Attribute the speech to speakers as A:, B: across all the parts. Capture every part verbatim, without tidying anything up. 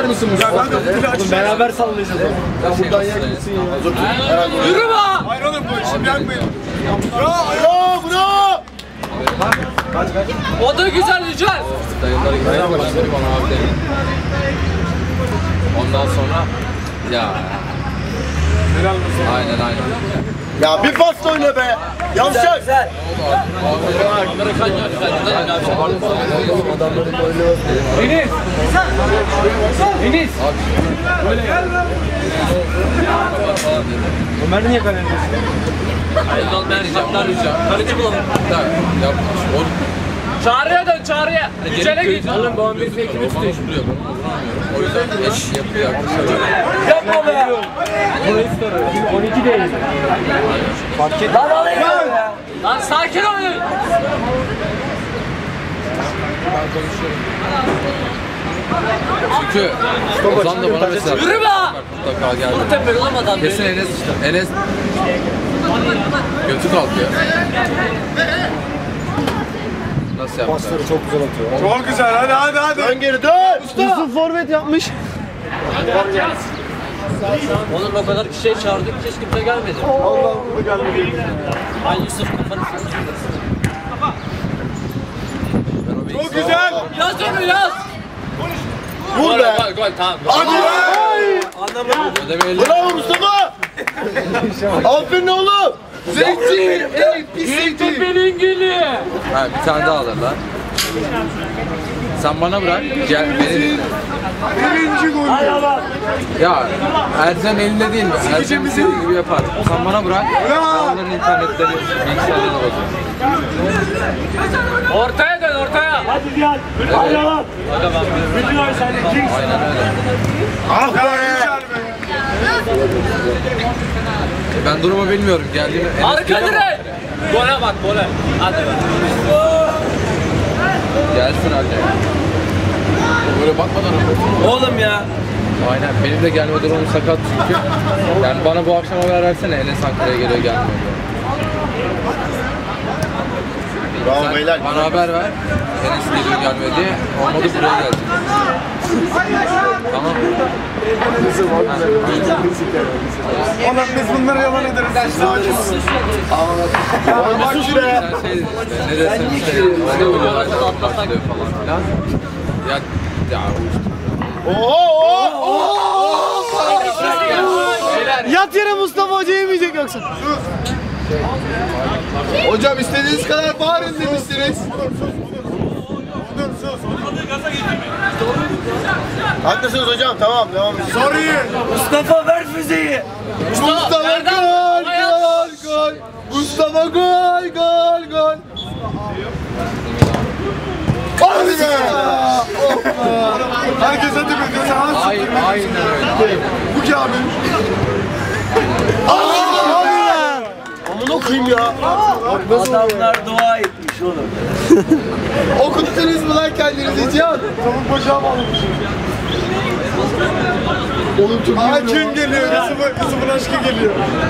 A: Açar mısın Mustafa?
B: Ya ben de
A: beraber sallayacağız. Ya buradan yakınsın ya.
C: Yürü be!
B: Hayır oğlum bu işim yakmayın.
A: Bravo bravo.
C: O da güzel güzel.
D: Dayıları gitmeye başladı bana abi dedi. Ondan sonra ya. Aynen aynen.
A: Ya bir pas oyna be. Yavşak.
C: Güzel.
D: Amerikan ya.
A: Adamların oyunu.
C: Enis. Enis.
B: Ömer niye kalender?
D: Hayır olmayan ricamlar ricam.
C: Kaleci bulalım.
D: Yapmış.
C: Çağrı'ya dön Çağrı'ya. Yücel'e git.
D: Oğlum bu on bir ekimi tutuyor. O yüzden eş yapıyor arkadaşlar.
C: Yapma be.
B: on iki değil.
C: Fark et. Lan alayım ya. Lan sakin olun.
D: Çünkü Ozan da bana mesela
C: Yürü be.
D: mutlaka geldi.
C: Tepe olamadan.
D: Kesin Enes işte. Enes götü kalkıyor. Nasıl yaptı?
A: Pasları çok güzel atıyor.
B: Çok güzel hadi hadi hadi.
A: Dön geri dön. Yusuf forvet yapmış.
C: Oğlum o kadar kişiye çağırdık hiç kimse gelmedi.
A: Allah bu gelmedi.
C: Ay Yusuf kafanı
B: Çok güzel.
C: yaz onu yaz.
A: Vur be.
C: Gol gol tamam.
A: Hadi.
D: Ödemeyelim.
A: Bravo Mustafa. Aferin oğlum.
D: Zeytin! Ey pis
C: Yürütün beni İngili.
D: Ha bir tane daha alırlar. Sen bana bırak, gel beni dinle.
B: Birinci gol.
D: Ya Ercan elinde değil mi? Ercan istediği gibi yapar. Sen bana bırak, ben onların internetleri, bilgisayarlarına bakıyorum.
C: Ortaya dön ortaya.
B: Hadi gel. Hadi lan. Bütün ay sen de Kings.
D: Aynen öyle.
A: Ah be.
D: Ben durumu bilmiyorum, geldiğimi...
C: Arka direk. Gole bak gole. Hadi.
D: Gelsin hadi. Böyle bakmadan
C: Oğlum ya.
D: aynen, benim de gelme durumum sakat çünkü. Yani bana bu akşam haber versene, Enes Ankara'ya geliyor gelmiyor diyor.
A: Bravo
D: Sen
A: beyler.
D: bana haber ver, Enes geliyor gelmiyor diye. Olmadı buraya gelecek. Tamam.
B: Oğlum biz bunları yalan ederiz.
A: Sus be.
D: Sen şey ne desem işte, hani olaylar başlıyor falan filan. Ya, ya
A: Oo oo.
B: Yat yere Mustafa Hoca yemeyecek yoksa.
A: Hocam istediğiniz kadar bağırın demiştiniz. Haklısınız hocam, tamam devam edin.
B: Sorry.
C: Mustafa ver füzeyi.
A: Mustafa
C: Erdem,
A: gol
C: ayağa
A: gol gol. Mustafa gol gol gol. Hadi be.
B: Herkes hadi be. Sen
D: ay, aynen öyle.
B: bu ki abi.
A: Amına koyayım ya.
C: Adamlar dua etmiş oğlum.
A: Okuttunuz mu lan kendinizi Cihan?
B: Tavuk bacağı bağlamışım.
A: Oğlum çok iyi.
B: Hakim geliyor. Kızımın, kızımın aşkı geliyor.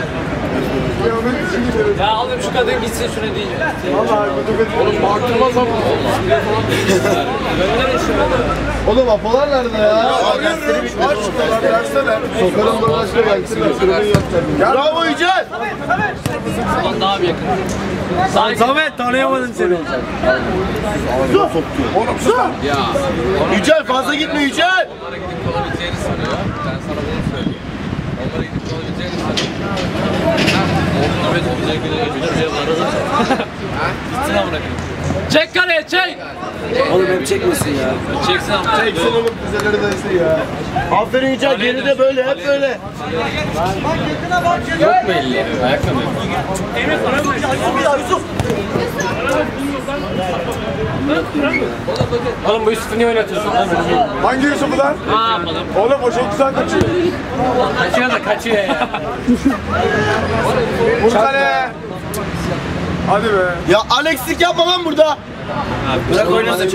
C: Ya oğlum şu kadın gitsin şuna diyeceğim.
B: Vallahi
D: Oğlum baktırmaz ama.
C: Gönderin şunu.
A: Oğlum apolar nerede ya?
B: arıyorum. Aç şunlar versene.
A: Sokarım bana başka gelsin. Bravo Yücel.
C: Ulan daha bir yakın.
B: Samet tanıyamadım seni.
A: Oğlum sus lan.
D: Ya.
A: Yücel fazla gitme Yücel.
D: Onlara gidip kalabileceğini sanıyor. Ben sana bunu söyleyeyim. Onlara gidip kalabileceğini sanıyor.
C: Evet olacak Gitsin amına koyayım. Çek kaleye çek.
E: Oğlum hep çekmesin ya.
C: Çeksin amına.
A: Çeksin oğlum füzeleri dayısı ya. Aferin Yücel geride böyle hep böyle.
D: Yok mu elli? Ayakkabı.
C: Oğlum bu Yusuf'u niye oynatıyorsun?
B: Hangi Yusuf'u lan?
C: Ne yapalım?
B: Oğlum o çok güzel kaçıyor.
C: Kaçıyor da kaçıyor ya.
B: Vur kale. Hadi be.
A: Ya Alex'lik yapma lan burada.
C: Bırak oynasın.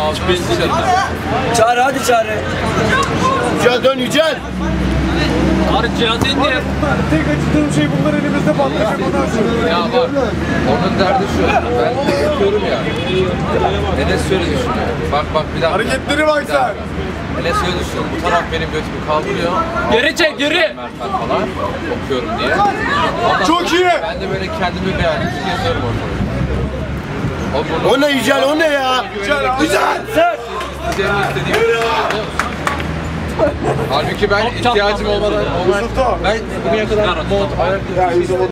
E: Çağrı hadi Çağrı.
A: Yücel dön Yücel.
C: Tarık cihazı indir.
B: Tek acıdığım şey bunlar elimizde patlayacak ondan sonra.
D: Ya bak, onun derdi şu. Ben yapıyorum ya. Enes şöyle düşünüyor. Bak bak bir dakika.
B: Hareketleri bak
D: Bir dakika. Enes şöyle düşünüyor. Bu taraf benim götümü kaldırıyor.
C: Geri çek, geri.
D: Mert'ten falan okuyorum diye. Ondan
B: Çok
D: sonra
B: iyi.
D: Ben de böyle kendimi beğendim. Yazıyorum ortada. O,
A: O ne Yücel, o ne ya?
B: Güzel.
D: İstediğim istediğim. Halbuki ben ihtiyacım olmadan olmadan ben bugüne kadar mont, ayakkabı,